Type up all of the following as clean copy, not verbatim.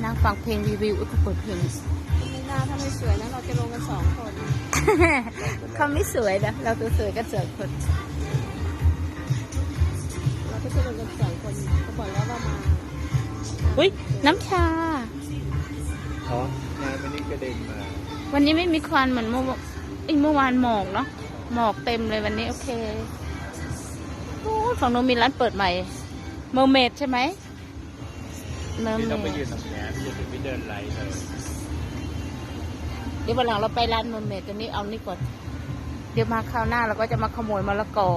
นั่งฟังเพลงรีวิวก็เปิดเพลงไม่น่าถ้าไม่สวยนะเราจะลงกัน2 คนเขาไม่สวยนะเราตัวสวยกัน2 คนเราก็จะลงกัน2 คนเขาบอกแล้วว่ามาอุ้ยน้ำชาอ๋องานวันนี้กระเด็นมาวันนี้ไม่มีควันเหมือนเมื่อวานหมอกเนาะหมอกเต็มเลยวันนี้โอเคโอ้ยฝั่งโน้นมีร้านเปิดใหม่เมอร์เมดใช่ไหมเมอร์พี่เมต้องไปดยืนตรงนี้พี่จะถึงไปเดินไล่เลยเดี๋ยววันหลังเราไปร้านเมอร์เมดตัวนี้เอานี่ก่อนเดี๋ยวมาคราวหน้าเราก็จะมาขโมยมะละกอ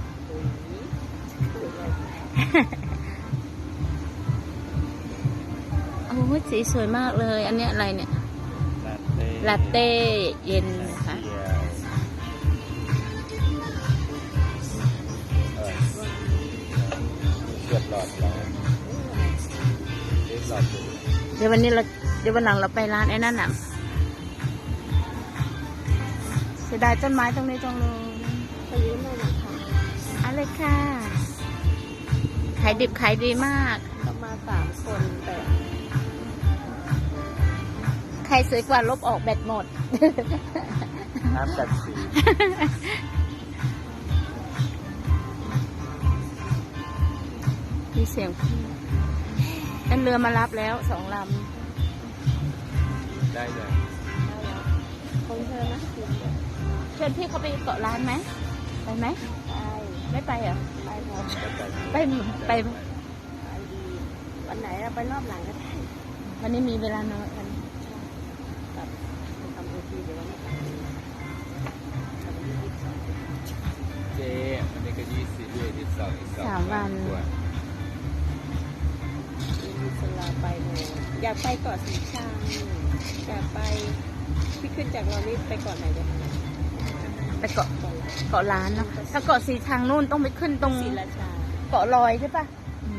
โอ้ยสีสวยมากเลย อันนี้อะไรเนี่ย ลาเต้เย็นนะคะเกือบหลอดแล้วหลอดดูเดี๋ยววันหลังเราไปร้านไอ้นั่นน่ะเสียดายต้นไม้ตรงนี้จังเลยไปยืมหน่อยนะคะอะไรค่ะ ขายดิบขายดีมากเรามา3 คนแต่ใครสวยกว่าลบออกแบตหมดน้ำกัดสีมีเสียงนั่นเรือมารับแล้ว2 ลได้เลยคนเธอนะำเชิญพี่เขาไปเกาะร้านไหมไปไหมไปไม่ไปเหรอไปครับไปไปไปดีวันไหนเราไปรอบหลังก็ได้วันนี้มีเวลาน้อยกันแบบทำโอทีเดี๋ยววันนี้ไปเจ๊มันนี้ก็22อีก2 วันมีสลาไปเลยอยากไปเกาะสีชังอยากไปพี่ขึ้นจากเรานี่ไปเกาะไหนกันไปเกาะร้านเนาะถ้าเกาะสีทางนู่นต้องไปขึ้นตรงศรีราชาเกาะลอยใช่ปะ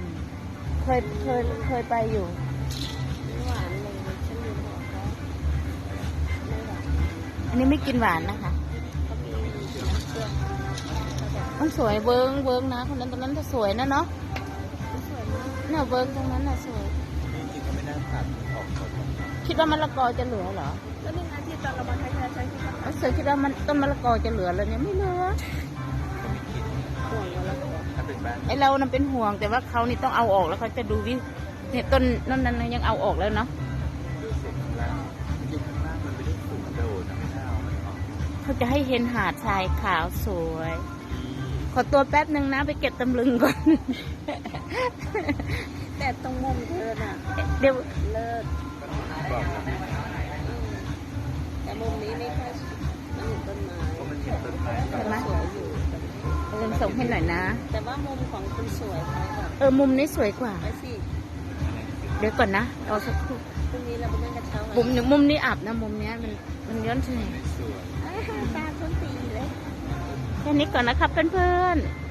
เคยไปอยู่ไม่หวานเลยฉันลืมบอกเขาไม่หวานอันนี้ไม่กินหวานนะคะเขามีน้ำเครื่องเขาแบบมันสวยเวิ้งนะคนนั้นตรงนั้นจะสวยนะเนาะสวยมากเนี่ยเวิ้งตรงนั้นน่ะสวยจริงๆก็ไม่น่าตัดออกหมดคิดว่ามะละกอจะเหลือเหรอแล้วนี่นะที่ตอนเรามาใช้ใช้ที่เอาเสือคิดว่ามันต้นมะละกอจะเหลือแล้วเนี่ยไม่เหลือห่วงเราแล้วก็ถ้าเป็นบ้านไอเรานั้นเป็นห่วงแต่ว่าเขานี่ต้องเอาออกแล้วเขาจะดูวิเนี่ยต้นนั่นยังเอาออกแล้วเนาะอยู่ข้างล่างมันไม่ได้สูงโดดนะไม่น่าเอามันออกเขาจะให้เห็นหาดทรายขาวสวย ขอตัวแป๊บหนึ่งนะไปเก็บตำลึงก่อนแต่ตรงมุมเธอน่ะเดี๋ยวเลิศบอกแล้วแต่มุมนี้ไม่ค่อยมันเห็นต้นไม้ว่ามันเห็นต้นไม้ใช่ไหมสวยอยู่เงินส่งให้หน่อยนะแต่ว่ามุมของคุณสวยเขาแบบมุมนี้สวยกว่าไปสิเดี๋ยวก่อนนะรอสักครู่พรุ่งนี้เราไปนั่งกระเช้ามุมนี้อับนะมุมเนี้ยมันย้อนแสงสวยตาต้นตีเลยแค่นี้ก่อนนะครับเพื่อนๆ